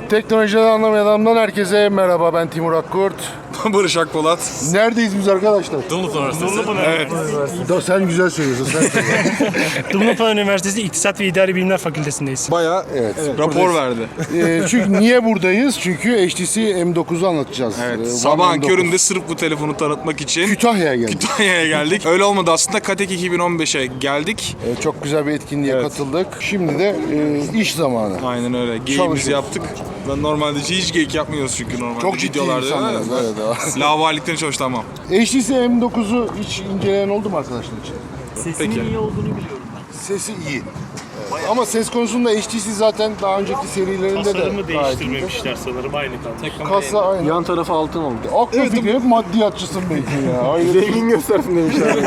Teknolojiden anlamayan adamdan herkese merhaba, ben Timur Akkurt. Barış Akpolat. Neredeyiz biz arkadaşlar? Dumlupınar Üniversitesi. Evet. Sen güzel söylüyorsun, sen söyle. Dumlupınar Üniversitesi İktisat ve İdari Bilimler Fakültesindeyiz. Bayağı rapor verdi. Çünkü niye buradayız? Çünkü HTC M9'u anlatacağız. Evet. One Sabahın M9. köründe sırf bu telefonu tanıtmak için Kütahya'ya geldik. Kütahya'ya geldik. Öyle olmadı aslında. Katek 2015'e geldik. Çok güzel bir etkinliğe katıldık. Şimdi de iş zamanı. Aynen öyle. Geyimizi Çalışıyoruz. yaptık. Ben normalde hiç geyik yapmıyoruz çünkü normalde. Çok ciddi videolarda. insanlarız. Evet. Lavalikten çalıştamam. HTC M9'u hiç inceleyen oldu mu arkadaşlar için? Sesinin Peki. iyi olduğunu biliyorum ben. Sesi iyi. Ama ses konusunda HTC zaten daha önceki serilerinde de Tasarımı gayet iyiydi. değiştirmemişler sanırım, aynı kalmış. Kasa aynı. Yan tarafı altın oldu. Aklı fikri hep maddiyatçısın belki ya. Hayır. Zengin göstersin demişler.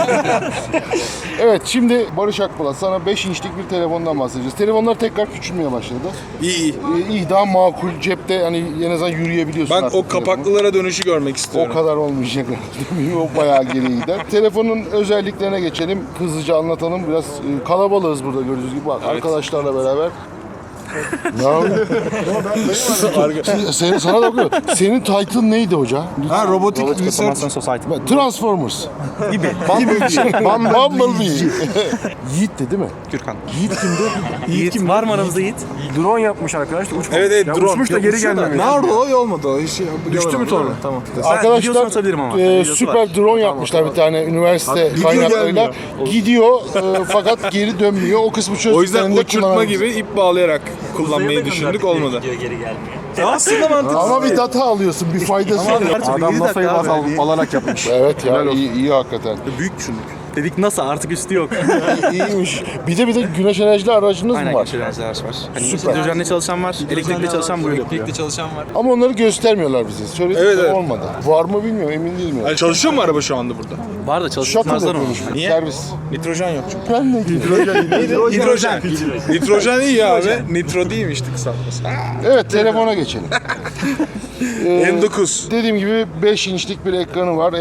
Evet, şimdi Barış Akpolat sana 5 inçlik bir telefondan bahsedeceğiz. Telefonlar tekrar küçülmeye başladı. İyi. İyi, daha makul, cepte hani en azından yürüyebiliyorsun Ben artık o telefonu. kapaklılara dönüşü görmek O istiyorum. kadar olmayacak. O bayağı geri gider. Telefonun özelliklerine geçelim. Hızlıca anlatalım. Biraz kalabalığız burada gördüğünüz gibi. Bak, arkadaşlarla beraber. Ne yapıyorsun? Sana da bakıyorum. Senin title'ın neydi hoca? Ha, robotik research. Transformers. Gibi. Bumblebee. Yiğit'ti değil mi? Gürkan. Yiğit kimdi? Yiğit var mı aramızda Yiğit? Drone yapmış arkadaş. Evet, Ya drone. Uçmuş da geri gelmemiş. Nerede o? İyi olmadı o. Hiç Düştü mü sonra? Tamam. Videosunu Arkadaşlar atabilirim ama. Videosu süper var. drone yapmışlar bir tane üniversite kaynaklarıyla. Gidiyor fakat geri dönmüyor. O kısmı çözdüklerinde O yüzden uçurtma kullanabiliriz. gibi ip bağlayarak kullanmayı düşündük, olmadı. Geri gelmiyor. Aslında mantıklı. Ama bir data alıyorsun, bir faydası var. Adam NASA'yı baz alarak yapmış. Evet ya, iyi hakikaten. Büyük düşündük. Dedik NASA artık üstü yok. İyiymiş. Bir de güneş enerjili aracınız mı var? enerji araç var. Hani Süper. hidrojenle çalışan var, elektrikli çalışan bu yapıyor. Ama onları göstermiyorlar bize. Söyledik Evet, de evet. olmadı. Var mı bilmiyorum, emin değilim. Yani çalışıyor mu araba şu anda burada? Var da Shuttle çalışmazlar onu. yapıyormuş. Servis. Nitrojen yok çünkü. Ben ne diyeyim? Hidrojen. Nitrojen iyi ya abi. Nitro değilmişti kısaltması. Evet, telefona geçelim. M9. Dediğim gibi 5 inçlik bir ekranı var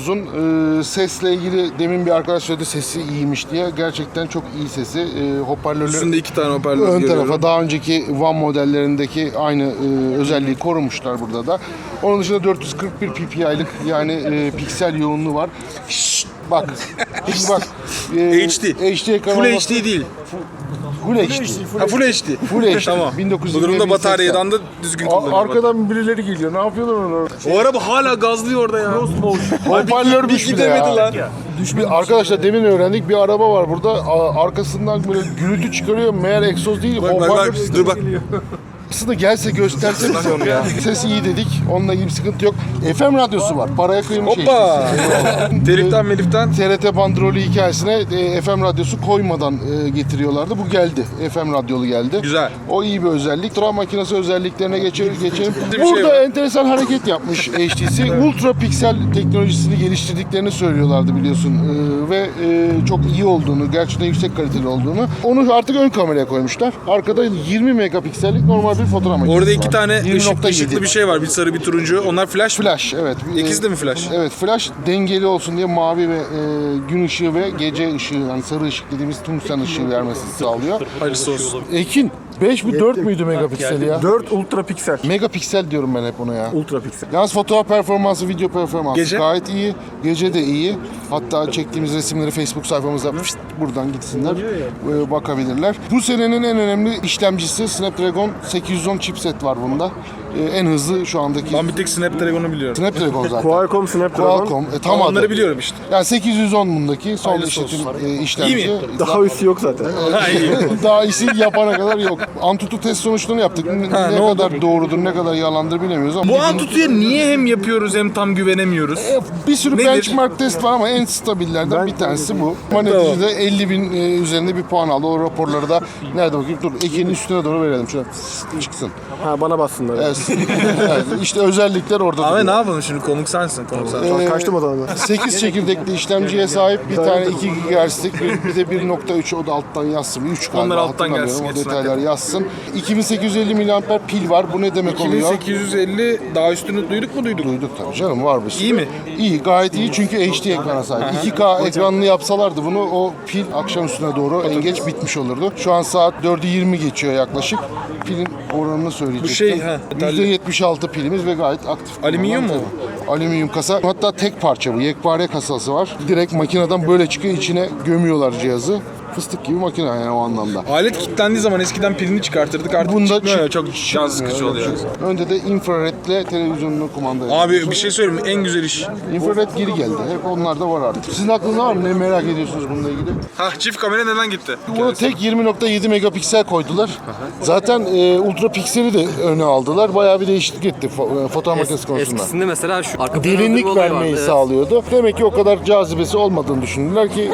M9'un. Sesle ilgili demin bir arkadaş söyledi, sesi iyiymiş diye. Gerçekten çok iyi sesi. Hoparlörleri Üstünde 2 tane hoparlör ön görüyorum. tarafa daha önceki One modellerindeki aynı özelliği korumuşlar burada da. Onun dışında 441 ppi'lik yani piksel yoğunluğu var. Şşt, bak. Şimdi bak. HD. HD ekran Full olması- HD değil. Full HD. Ha, Full HD. Full HD. Tamam. 1920 Bu durumda bataryadan da düzgün kullanıyor. Arkadan birileri geliyor. Ne yapıyorlar onlar? O araba hala gazlıyor orada ya. Hoparlörmüş bir bir de ya. gidemedi lan. Arkadaşlar demin öğrendik, bir araba var burada. Arkasından böyle gürültü çıkarıyor. Meğer egzoz değil, Bak hoparlör. dur bak. Aslında gelse gösterse bize onu ya. Ses iyi dedik. Onunla ilgili bir sıkıntı yok. FM radyosu var. Paraya kıymış Hoppa. Teliften meliften. TRT bandrolü hikayesine FM radyosu koymadan getiriyorlardı. Bu geldi. FM radyolu geldi. Güzel. O iyi bir özellik. Fotoğraf makinesi özelliklerine geçelim. Bir şey Burada var. enteresan hareket yapmış HTC. Ultra piksel teknolojisini geliştirdiklerini söylüyorlardı biliyorsun. Ve çok iyi olduğunu, gerçekten yüksek kaliteli olduğunu. Onu artık ön kameraya koymuşlar. Arkada 20 megapiksellik normal bir fotoğraf makinesi Orada 2 var. tane 20.7. ışıklı bir şey var. Bir sarı bir turuncu. Onlar flash mı? Flash, evet. İkisi de mi flash? Evet, flash dengeli olsun diye mavi ve gün ışığı ve gece ışığı, yani sarı ışık dediğimiz tungsten ışığı vermesini sağlıyor. Hayırlısı olsun. Ekin, 5 mi 4 müydü megapiksel ya? 4 ultra piksel. Megapiksel diyorum ben hep ona ya. Ultra piksel. Yalnız fotoğraf performansı, video performansı Gece? gayet iyi. Gece de iyi. Hatta çektiğimiz resimleri Facebook sayfamıza buradan gitsinler, bakabilirler. Bu senenin en önemli işlemcisi Snapdragon 810 chipset var bunda. En hızlı şu andaki Ben bir tek Snapdragon'u biliyorum. Snapdragon zaten. Qualcomm Snapdragon. Qualcomm. Tam Onları adı. biliyorum işte. Yani 810 bundaki son Hayırlısı işlemci. İyi mi? Daha üstü yok zaten. Daha iyisi yapana kadar yok. Antutu test sonuçlarını yaptık. Ne kadar doğrudur, ne kadar yalandır bilemiyoruz ama Bu Antutu'ya niye hem yapıyoruz hem tam güvenemiyoruz? bir sürü Nedir? benchmark test var ama en stabillerden bir tanesi bu. Ama neticede 50.000 üzerinde bir puan aldı. O raporları da nerede bakayım? Dur, Ekin'in üstüne doğru verelim. Şöyle çıksın. Ha bana bassınlar. Evet, Yani işte özellikler orada Abi ne duruyor. yapalım şimdi, konuk sensin. Kaçtım adamı. 8 çekirdekli işlemciye sahip, bir tane 2 GHz'lik, bir de 1.3, o da alttan yazsın. 3 galiba, Onlar alttan hatırlamıyorum. gelsin, O geçsin detaylar yazsın. 2850 mAh pil var. Bu ne demek oluyor? 2850 daha üstünü duyduk mu duyduk? Duyduk tabii canım, var bir sürü. İyi mi? İyi, gayet iyi çünkü HD ekrana sahip. 2K ekranlı yapsalardı bunu, o pil akşam üstüne doğru en geç bitmiş olurdu. Şu an saat 4'ü 20 geçiyor yaklaşık. Pilin oranını söyleyecektim. Bu şey, ha, %76 pilimiz ve gayet aktif. Alüminyum mu? Alüminyum kasa. Hatta tek parça bu. Yekpare kasası var. Direkt makineden böyle çıkıyor, içine gömüyorlar cihazı. Fıstık gibi makine yani o anlamda. Alet kilitlendiği zaman eskiden pilini çıkartırdık, artık Bunda çıkmıyor ya, çık- çok can sıkıcı oluyor. Önde de infraredle televizyonunu kumanda ediyor. Abi bir şey söyleyeyim mi? En güzel iş. İnfrared geri geldi. Hep onlar da var artık. Sizin aklınızda var mı? Ne merak ediyorsunuz bununla ilgili? Çift kamera neden gitti? Bunu tek 20.7 megapiksel koydular. Zaten ultra pikseli de öne aldılar. Bayağı bir değişiklik etti fotoğraf makinesi konusunda. Eskisinde mesela şu arka Derinlik vermeyi sağlıyordu. Demek ki o kadar cazibesi olmadığını düşündüler ki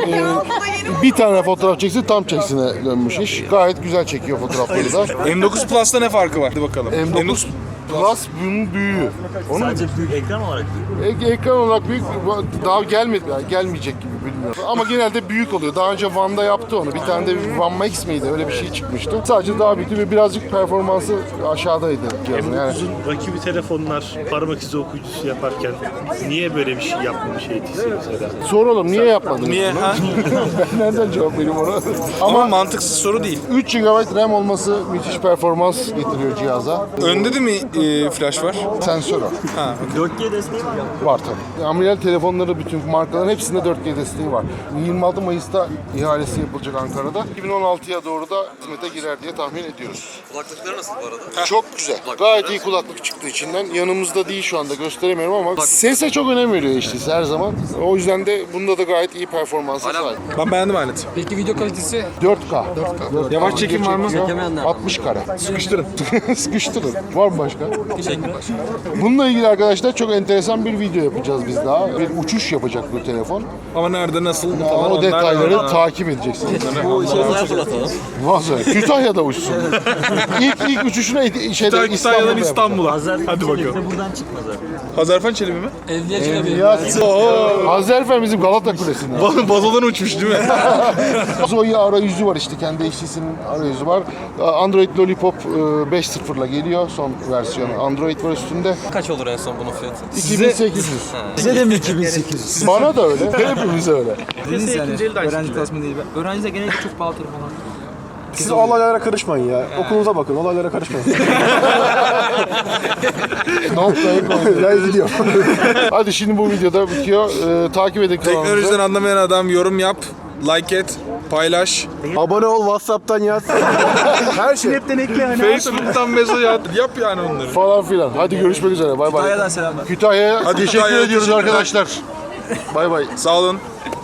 bir tane fotoğraf çeksin tam çeksine dönmüş iş. Gayet güzel çekiyor fotoğrafları da. M9 Plus'ta ne farkı var? Hadi bakalım. M9 Plus bunun büyüğü. Onun Sadece büyük ekran olarak büyük. ekran olarak büyük, daha gelmedi, yani gelmeyecek gibi bilmiyorum. Ama genelde büyük oluyor. Daha önce Van'da yaptı onu. Bir tane de Van Max miydi? Öyle bir şey çıkmıştı. Sadece daha büyüktü ve birazcık performansı aşağıdaydı cihazın. Yani M9'un rakibi telefonlar parmak izi okuyucusu yaparken niye böyle bir şey yapmamış ATC mesela? soralım, niye yapmadınız? Niye? bunu? Ha? Ben nereden cevap vereyim ona? Ama mantıksız soru değil. 3 GB RAM olması müthiş performans getiriyor cihaza. Önde de mi flash var? Sensör o. 4G desteği var. Var tabii. Amiral telefonları bütün markaların hepsinde 4G desteği var. 26 Mayıs'ta ihalesi yapılacak Ankara'da. 2016'ya doğru da hizmete girer diye tahmin ediyoruz. Kulaklıkları nasıl bu arada? Çok güzel. Gayet iyi kulaklık çıktı içinden. Yanımızda değil şu anda, gösteremiyorum ama sese çok önem veriyor HTC her zaman. O yüzden de bunda da gayet iyi performansa sahip. Ben beğendim aleti. Peki video kalitesi? 4K. Yavaş çekim var mı? Çekemeyenler. 60 kare. Sıkıştırın. Sıkıştırın. Var mı başka? Bununla ilgili arkadaşlar çok enteresan bir video yapacağız biz daha. Bir uçuş yapacak bu telefon. Ama nerede, nasıl falan O onlar detayları var. takip edeceksiniz. Uzaya fırlatalım. Vazgeç. Kütahya'da uçsun. İlk uçuşuna şeyde Kütahya'dan İstanbul'da İstanbul'a. Azerbaycan Hadi bakalım. de buradan çıkmaz abi. Hazarfen Çelebi mi? yapacak. Hazerfen bizim Galata Kulesi'nde. Bazodan uçmuş değil mi? Zoe arayüzü var işte, kendi HTC'nin arayüzü var. Android Lollipop 5.0'la geliyor, son versiyonu. Android var üstünde. Kaç olur en son bunun fiyatı? 2800. Size de mi 2800? Bana da öyle. Hepimize öyle. Öğrenci klasmanı değil. Öğrenciler genellikle çok pahalı telefonlar. Siz olaylara karışmayın ya. Okulunuza bakın, olaylara karışmayın. Noktayı koyduk. Ben gidiyorum. Hadi şimdi bu videoda bitiyor. Takip edin kanalımızı. Teknolojiden anlamayan adam yorum yap, like et, paylaş. Abone ol, WhatsApp'tan yaz. Her şey. Facebook'tan mesaj at. Yap yani onları. Falan filan. Hadi görüşmek üzere. Bay bay. Kütahya'dan selamlar. Kütahya'ya Hadi teşekkür Kütahya'ya ediyoruz teşekkürler. arkadaşlar. Bay bay. Sağ olun.